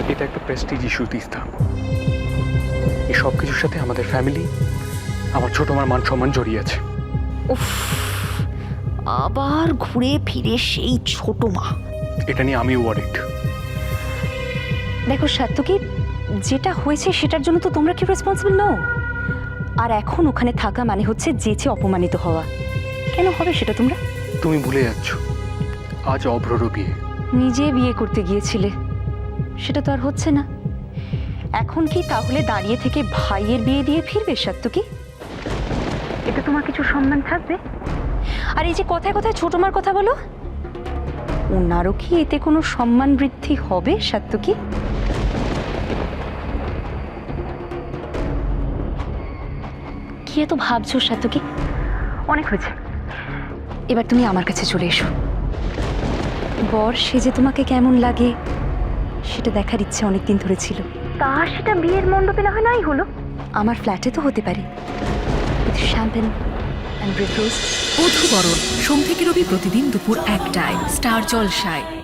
এটা একটা Prestige issue Teesta. এই সব কিছুর সাথে আমাদের ফ্যামিলি, আমার ছোট মার মান সম্মান জড়িয়ে আছে। উফ, আবার ঘুরে ফিরে সেই ছোট মা। এটা নিয়ে আমি ওয়ারিড। দেখো সাত্তকী, যেটা হয়েছে সেটার জন্য তো তোমরা কি রেসপন্সিবল নও। আর এখন ওখানে থাকা মানে হচ্ছে যেচে অপমানিত হওয়া। কেন হবে সেটা তোমরা? তুমি ভুলে যাচ্ছ, আজ অভ্ররও বিয়ে। নিজে বিয়ে করতে গিয়েছিলে, সেটা তো আর হচ্ছে না। এখন কি তাহলে দাঁড়িয়ে থেকে ভাইয়ের বিয়ে দিয়ে ফিরবে সাত্তকী? এতে তোমার কিছু সম্মান থাকবে? আর এই যে কথায় কথায় ছোট মার কথা বলো, ওনারও কি এতে কোনো সম্মান বৃদ্ধি হবে সাত্তকী? কি এত ভাবছো সাত্তকী? অনেক হয়েছে, এবার তুমি আমার কাছে চলে এসো। বর সেজে তোমাকে কেমন লাগে সেটা দেখার ইচ্ছে অনেকদিন ধরে ছিল। তা সেটা বিয়ের মণ্ডপে না হয় নাই হলো, আমার ফ্ল্যাটে তো হতে পারে, with champagne and red rose. Badhubaran সোম থেকে রবি প্রতিদিন দুপুর 1টায় স্টার জলসায়।